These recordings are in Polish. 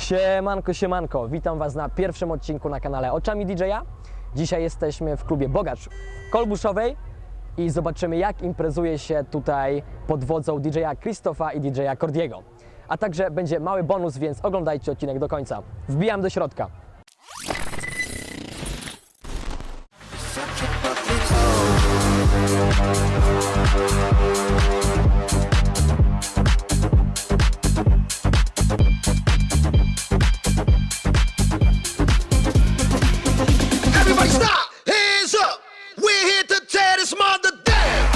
Siemanko, siemanko, witam Was na pierwszym odcinku na kanale Oczami DJ-a. Dzisiaj jesteśmy w klubie Bogacz w Kolbuszowej i zobaczymy, jak imprezuje się tutaj pod wodzą DJ-a Krzysztofa i DJ-a Kordiego. A także będzie mały bonus, więc oglądajcie odcinek do końca. Wbijam do środka. Everybody stop! Hands up! We're here to tear this mother down!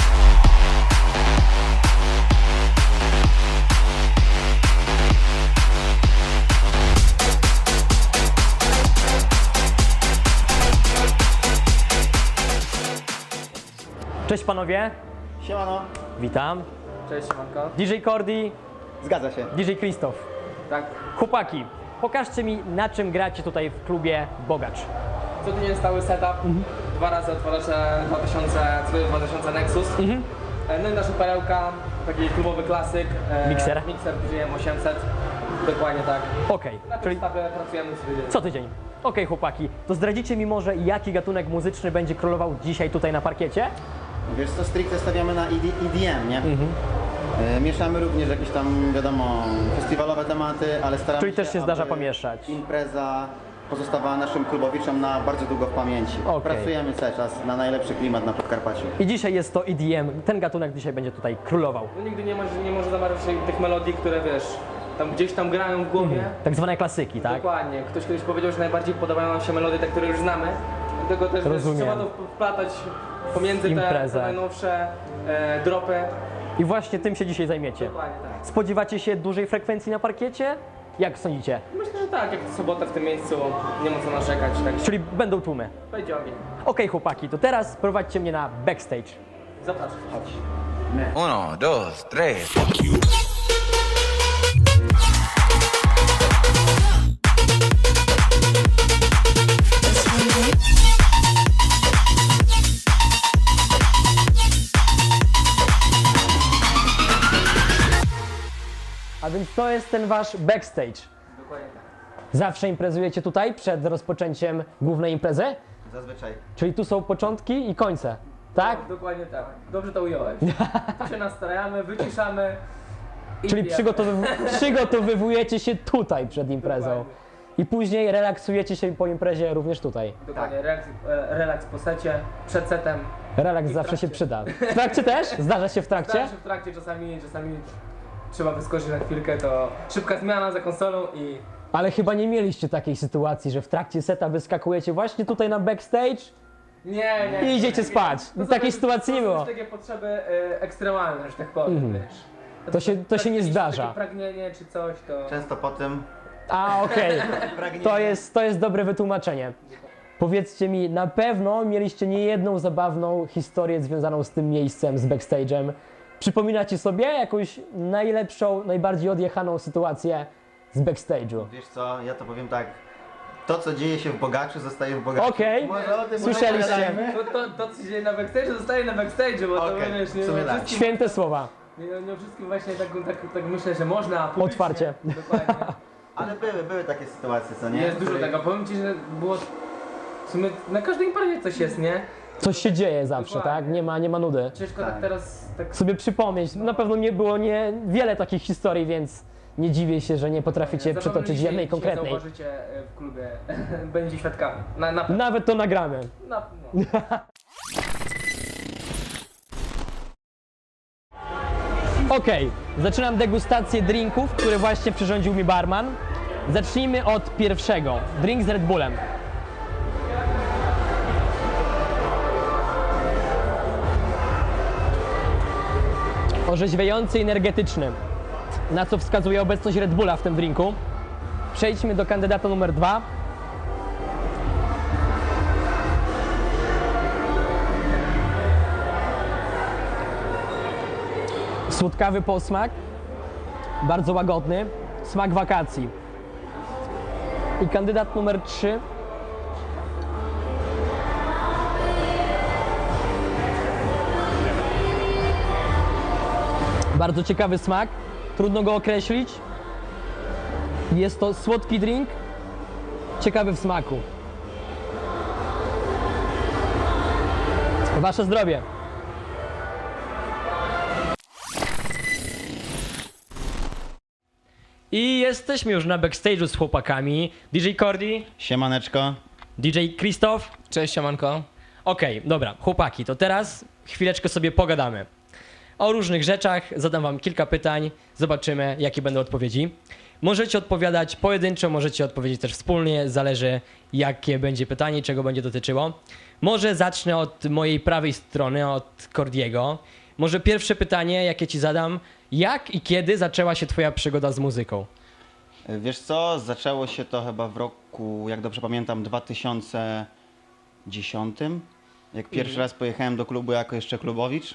Cześć panowie, Siemano. witam. Cześć, Manko. DJ Kordi, Zgadza się. DJ Krzysztof. Tak, Chłopaki, pokażcie mi, na czym gracie tutaj w klubie Bogacz. co tydzień stały setup, dwa razy odtwarzacze 2000 Nexus. No i nasza perełka, taki klubowy klasyk. Mikser? Mikser GM 800, dokładnie tak. Okej, Na tym czyli stawie pracujemy co tydzień. co tydzień. Okej, chłopaki, to zdradzicie mi może, jaki gatunek muzyczny będzie królował dzisiaj tutaj na parkiecie? Wiesz co, stricte stawiamy na EDM, nie? Mieszamy również jakieś tam, wiadomo, festiwalowe tematy, ale staramy Czyli się, też się zdarza aby pomieszać. impreza pozostawała naszym klubowiczom na bardzo długo w pamięci. Okej. Pracujemy cały czas na najlepszy klimat na Podkarpaciu. I dzisiaj jest to EDM, ten gatunek dzisiaj będzie tutaj królował. No nigdy nie może zamarzyć tych melodii, które wiesz, tam gdzieś tam grają w głowie. Tak zwane klasyki, tak? Dokładnie. Ktoś kiedyś powiedział, że najbardziej podobają nam się melodie te, które już znamy. Dlatego też wiesz, Rozumiem. trzeba to wplatać pomiędzy te Imprezę. najnowsze dropy. I właśnie tym się dzisiaj zajmiecie. Dokładnie tak. Spodziewacie się dużej frekwencji na parkiecie? Jak sądzicie? Myślę, że tak, jak to sobota w tym miejscu, nie ma co narzekać, tak Czyli będą tłumy. będzie ogień. Okej, chłopaki, to teraz prowadźcie mnie na backstage. Zapraszam. Chodź. 1, 2, 3. A więc to jest ten wasz backstage. Dokładnie tak. Zawsze imprezujecie tutaj przed rozpoczęciem głównej imprezy? Zazwyczaj. Czyli tu są początki i końce, tak? No, dokładnie tak. Dobrze to ująłeś. Tu się nastrajamy, wyciszamy. i Czyli pijemy. przygotowujecie się tutaj przed imprezą. Dokładnie. I później relaksujecie się po imprezie również tutaj. Dokładnie, relaks po secie, przed setem. Relaks I w zawsze się trakcie. przyda. W trakcie też? Zdarza się w trakcie? Zdarza się w trakcie, czasami trzeba wyskoczyć na chwilkę, to szybka zmiana za konsolą i Ale chyba nie mieliście takiej sytuacji, że w trakcie seta wyskakujecie właśnie tutaj na backstage nie. i idziecie spać. To są Takiej już- sytuacji nie To są było. już takie potrzeby ekstremalne, że tak powiem, wiesz. To się nie jakieś zdarza. Takie pragnienie czy coś, to... Często po tym A, okej. pragniemy. To jest dobre wytłumaczenie. Powiedzcie mi, na pewno mieliście niejedną zabawną historię związaną z tym miejscem, z backstage'em. Przypominacie sobie jakąś najlepszą, najbardziej odjechaną sytuację z backstage'u? Wiesz co, ja to powiem tak. To, co dzieje się w Bogaczu, zostaje w Bogaczu. Okej. Może o tym Słyszeliście? pogadajmy? To co się dzieje na backstage'u, zostaje na backstage'u, bo to Okej, wiesz, nie w sumie o tak. wszystkim, Święte słowa. nie o wszystkim właśnie tak myślę, że można publicznie. Otwarcie. Dokładnie. Ale były takie sytuacje, co nie? Jest dużo Których- tego. Powiem Ci, że było... W sumie na każdej imprezie coś jest, nie? Coś się dzieje zawsze, Dokładnie. tak? Nie ma nudy. Ciężko tak Tak. teraz... Tak... Sobie przypomnieć. Na pewno nie było wiele takich historii, więc nie dziwię się, że nie potraficie Zapewne przytoczyć dzisiaj- jednej dzisiaj konkretnej. zauważycie w klubie, będzie świadkami. Na Nawet to nagramy. no. Okej, zaczynam degustację drinków, które właśnie przyrządził mi barman. Zacznijmy od pierwszego. Drink z Red Bullem. Orzeźwiający i energetyczny, na co wskazuje obecność Red Bulla w tym drinku. Przejdźmy do kandydata numer 2. Słodkawy posmak, bardzo łagodny, smak wakacji. I kandydat numer 3. Bardzo ciekawy smak, trudno go określić. Jest to słodki drink, ciekawy w smaku. Wasze zdrowie. I jesteśmy już na backstage'u z chłopakami. DJ Cordy, Siemaneczko. DJ Krzysztof. Cześć, siemanko. Okej, dobra, chłopaki, to teraz chwileczkę sobie pogadamy. O różnych rzeczach, zadam wam kilka pytań, zobaczymy jakie będą odpowiedzi. Możecie odpowiadać pojedynczo, możecie odpowiedzieć też wspólnie, zależy jakie będzie pytanie i czego będzie dotyczyło. Może zacznę od mojej prawej strony, od Cordiego. Może pierwsze pytanie, jakie ci zadam, jak i kiedy zaczęła się twoja przygoda z muzyką? Wiesz co, zaczęło się to chyba w roku, jak dobrze pamiętam, 2010. Jak pierwszy raz pojechałem do klubu jako jeszcze klubowicz.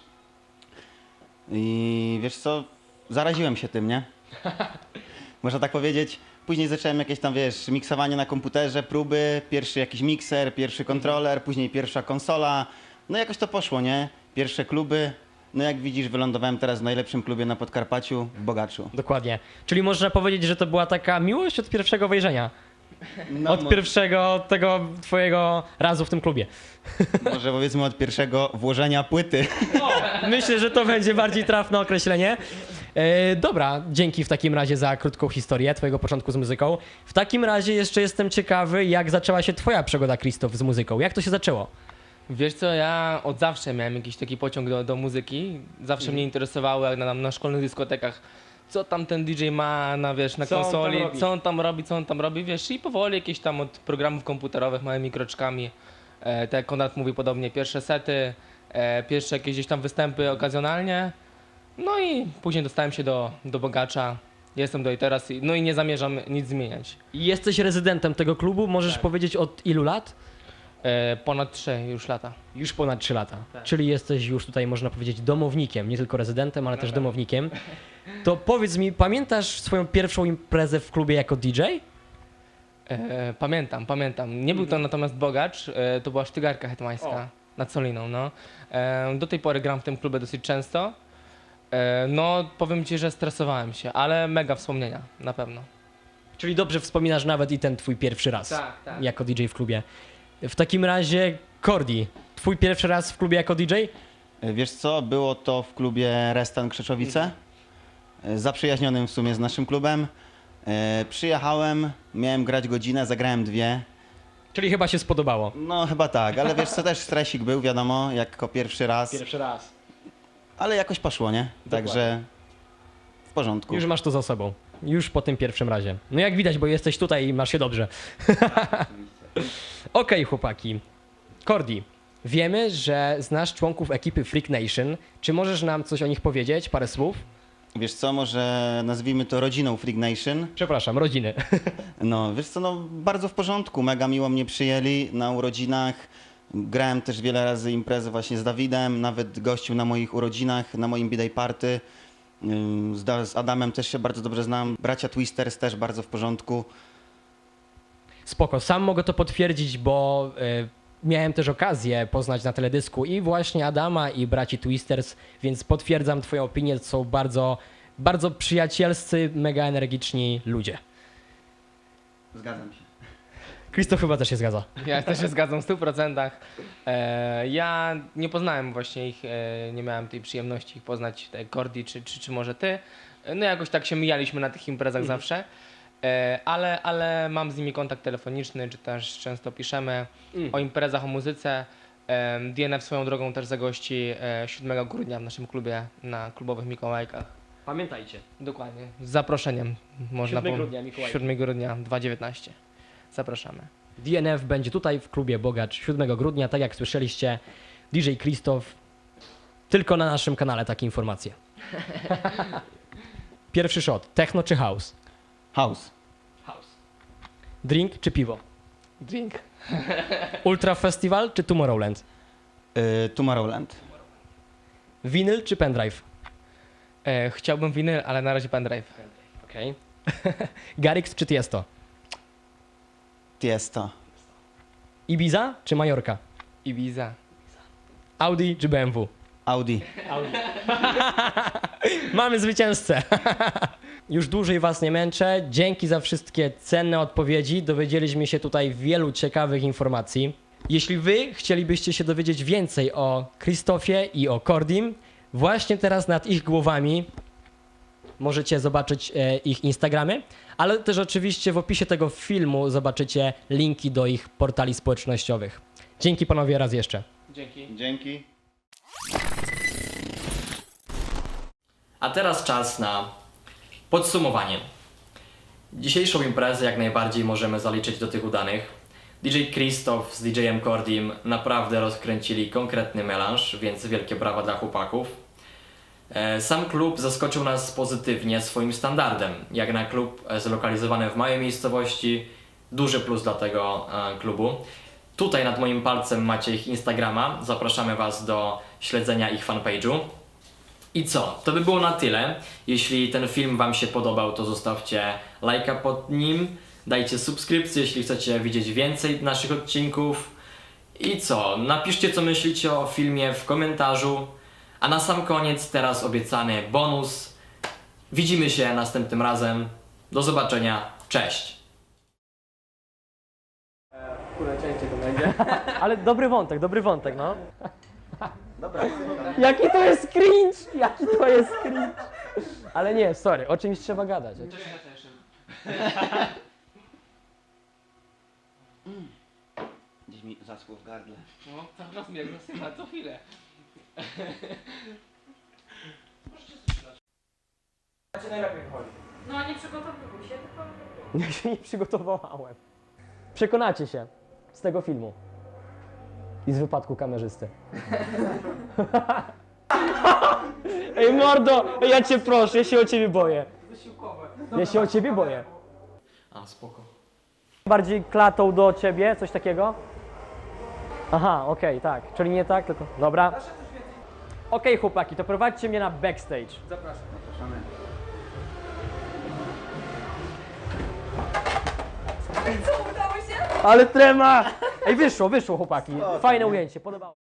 I wiesz co, zaraziłem się tym, nie? Można tak powiedzieć. Później zacząłem jakieś tam, wiesz, miksowanie na komputerze, próby, pierwszy jakiś mikser, pierwszy kontroler, później pierwsza konsola. No jakoś to poszło, nie? Pierwsze kluby. No jak widzisz, wylądowałem teraz w najlepszym klubie na Podkarpaciu, w Bogaczu. Dokładnie. Czyli można powiedzieć, że to była taka miłość od pierwszego wejrzenia. No, Od pierwszego tego twojego razu w tym klubie. Może powiedzmy od pierwszego włożenia płyty. Myślę, że to będzie bardziej trafne określenie. Dobra, dzięki w takim razie za krótką historię twojego początku z muzyką. W takim razie jeszcze jestem ciekawy, jak zaczęła się twoja przygoda, Krzysztof, z muzyką. Jak to się zaczęło? Wiesz co, ja od zawsze miałem jakiś taki pociąg do muzyki. Zawsze mnie interesowało, jak na szkolnych dyskotekach, co tam ten DJ ma na, wiesz, na Co on tam konsoli, robi? co on tam robi, wiesz, i powoli jakieś tam od programów komputerowych małymi kroczkami, tak jak Konrad mówi podobnie, pierwsze sety, pierwsze jakieś gdzieś tam występy okazjonalnie, no i później dostałem się do Bogacza, jestem do i teraz, no i nie zamierzam nic zmieniać. Jesteś rezydentem tego klubu, możesz Tak. powiedzieć od ilu lat? Ponad 3 już lata. Już ponad 3 lata. Czyli jesteś już tutaj, można powiedzieć, domownikiem, nie tylko rezydentem, ale też domownikiem. To powiedz mi, pamiętasz swoją pierwszą imprezę w klubie jako DJ? Pamiętam. Nie był to natomiast Bogacz, to była Sztygarka Hetmańska nad Soliną, no. Do tej pory gram w tym klubie dosyć często. No, powiem ci, że stresowałem się, ale mega wspomnienia, na pewno. Czyli dobrze wspominasz nawet i ten twój pierwszy raz Tak. jako DJ w klubie. W takim razie, Cordi, twój pierwszy raz w klubie jako DJ? Wiesz co, było to w klubie Restan Krzeczowice, zaprzyjaźnionym w sumie z naszym klubem. Przyjechałem, miałem grać godzinę, zagrałem 2. Czyli chyba się spodobało. No chyba tak, ale wiesz co, też stresik był, wiadomo, jako pierwszy raz, Pierwszy raz. ale jakoś poszło, nie? Także w porządku. Już masz to za sobą. Już po tym pierwszym razie. No jak widać, bo jesteś tutaj i masz się dobrze. Okej, chłopaki. Cordi, wiemy, że znasz członków ekipy Freak Nation. Czy możesz nam coś o nich powiedzieć? Parę słów? Wiesz co, może nazwijmy to rodziną Freak Nation. Przepraszam, rodziny. No, wiesz co, no bardzo w porządku, mega miło mnie przyjęli na urodzinach. Grałem też wiele razy imprezy właśnie z Dawidem, nawet gościł na moich urodzinach, na moim B-Day party. Z Adamem też się bardzo dobrze znam. Bracia Twisters też bardzo w porządku. Spoko, sam mogę to potwierdzić, bo miałem też okazję poznać na teledysku i właśnie Adama i braci Twisters, więc potwierdzam twoją opinię, to są bardzo, bardzo przyjacielscy, mega energiczni ludzie. Zgadzam się. Krzysztof chyba też się zgadza. Ja też się zgadzam w 100%. Ja nie poznałem właśnie ich, nie miałem tej przyjemności ich poznać, te Cordi czy może ty. No jakoś tak się mijaliśmy na tych imprezach zawsze. Ale mam z nimi kontakt telefoniczny, czy też często piszemy o imprezach, o muzyce. DNF swoją drogą też zagości 7 grudnia w naszym klubie na klubowych Mikołajkach. Pamiętajcie. Dokładnie. Z zaproszeniem. 7 grudnia, Mikołajki. 7 grudnia 2019. Zapraszamy. DNF będzie tutaj w klubie Bogacz 7 grudnia, tak jak słyszeliście, DJ Krzysztof. Tylko na naszym kanale takie informacje. Pierwszy shot, techno czy house? House. Drink czy piwo? Drink. Ultra Festival czy Tomorrowland? Tomorrowland. Winyl czy pendrive? Chciałbym winyl, ale na razie pendrive. Okej. Garrix czy Tiesto? Tiesto. Ibiza czy Majorka? Ibiza. Audi czy BMW? Audi. Mamy zwycięzcę. już dłużej Was nie męczę. Dzięki za wszystkie cenne odpowiedzi. Dowiedzieliśmy się tutaj wielu ciekawych informacji. Jeśli Wy chcielibyście się dowiedzieć więcej o Krzysztofie i o Kordim, właśnie teraz nad ich głowami możecie zobaczyć ich Instagramy, ale też oczywiście w opisie tego filmu zobaczycie linki do ich portali społecznościowych. Dzięki panowie raz jeszcze. Dzięki. Dzięki. A teraz czas na podsumowanie. Dzisiejszą imprezę jak najbardziej możemy zaliczyć do tych udanych. DJ Krzysztof z DJ-em Kordim naprawdę rozkręcili konkretny melanż, więc wielkie brawa dla chłopaków. Sam klub zaskoczył nas pozytywnie swoim standardem. Jak na klub zlokalizowany w małej miejscowości, duży plus dla tego klubu. Tutaj nad moim palcem macie ich Instagrama, zapraszamy Was do śledzenia ich fanpage'u. I co? To by było na tyle. Jeśli ten film Wam się podobał, to zostawcie lajka pod nim, dajcie subskrypcję, jeśli chcecie widzieć więcej naszych odcinków. I co? Napiszcie, co myślicie o filmie w komentarzu. A na sam koniec teraz obiecany bonus. Widzimy się następnym razem. Do zobaczenia. Cześć! Kurde, częściej to będzie. Ale dobry wątek, no. Jaki to jest cringe! Jaki to jest cringe! Ale nie, sorry, o czymś trzeba gadać. Gdzieś mi zaschło w gardle. No, cały czas mnie zasypa, co chwilę. No nie przygotowuj się, tylko... Ja się nie przygotowałem. Przekonacie się z tego filmu. I z wypadku kamerzysty. Ej mordo, ja cię proszę, ja się o ciebie boję. Ja się o ciebie boję. A, spoko. Bardziej klatą do ciebie, coś takiego? Aha, okej, tak. Czyli nie tak, tylko... Dobra. Okej, chłopaki, to prowadźcie mnie na backstage. Zapraszam. Zapraszamy. Co, udało się? Ale trema! Ej, wyszło chłopaki. Fajne ujęcie, podobało.